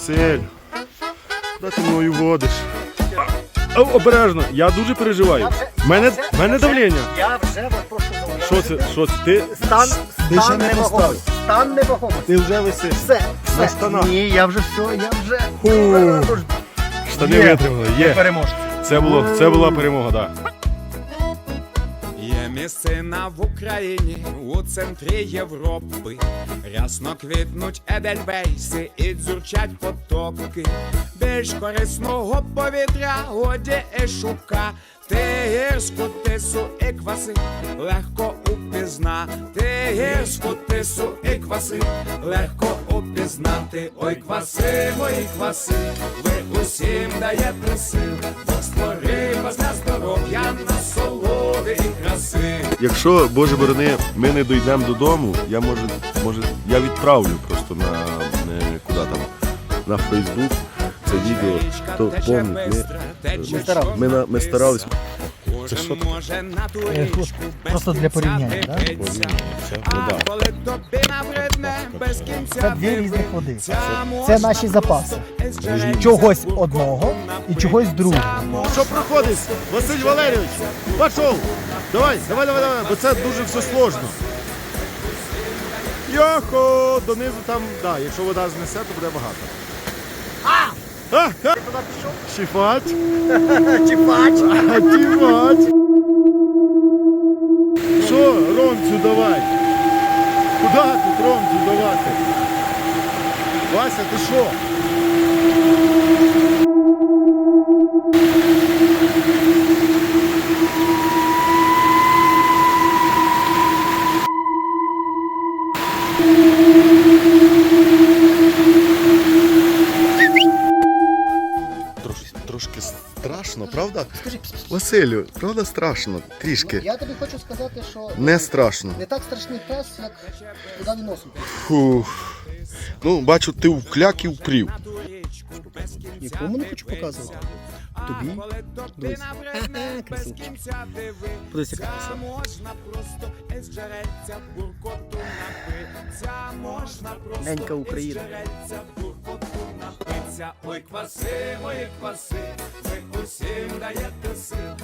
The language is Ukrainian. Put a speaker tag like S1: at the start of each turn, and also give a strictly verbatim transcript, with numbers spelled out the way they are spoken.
S1: Василь, куди ти мною водиш? А, обережно, я дуже переживаю. В мене, мене давлення.
S2: Я вже вас прошу зауважити.
S1: Що це? Що це? Ти
S2: Стан,
S1: Ти ще
S2: стан
S1: не
S2: невагомий.
S1: поставив.
S2: Стан невагомий.
S1: Ти вже висиш.
S2: Все,
S1: На
S2: все.
S1: штанах.
S2: Ні, я вже все, я вже...
S1: Фу. Штани
S2: Є.
S1: витримали. Є.
S2: Переможці.
S1: Це було, це була перемога, так. Да.
S3: Є місцина в Україні, у центрі Європи. Рясно квітнуть едельвейси і дзюрчать потоки. Більш корисного повітря годі і шука. Ти гірську тису і кваси легко упізнати. Гірську тису і кваси легко упізнати. Ой, кваси, мої кваси, ви усім даєте сил. Бог створив вас для здоров'я, насолоди і краси.
S1: Якщо, Боже борони, ми не дійдемо додому, я може, може, я відправлю просто на не, куди там, на Фейсбук це відео. То помнить, ми, ми,
S2: старались.
S1: ми, на- ми старались.
S3: Це що таке?
S2: Просто для порівняння, так?
S1: Ну, да.
S3: Коли тобі набридне без кінця.
S2: Це дві різних води.
S3: Це
S2: Це наші запаси. Чогось одного і чогось другого.
S1: Що проходить? Василь Валерійович, пішов. Давай, давай, давай, давай, бо це дуже все сложно. Йохо, донизу там, да, якщо вода знесе, то буде багато. А! А! А! Чіпать.
S2: Чіпач.
S1: А, чіпать. Що, Ромцю, давай. Куди тут Ромцю давати? Вася, ти що? Трошки, трошки страшно, правда?
S2: Скажи,
S1: Василю, правда страшно? Трішки.
S2: я тобі хочу сказати, що
S1: Не страшно.
S2: не так страшний пес, як куди він носом.
S1: Фух. Ну, бачу, ти вкляк і впрів.
S2: Нікому не хочу показувати. Тобі? Дивись. Ха-ха, красунчик. Подивись, яка краса. Ненька Україна.
S3: Ой, кваси, мої кваси, ви усім даєте сил.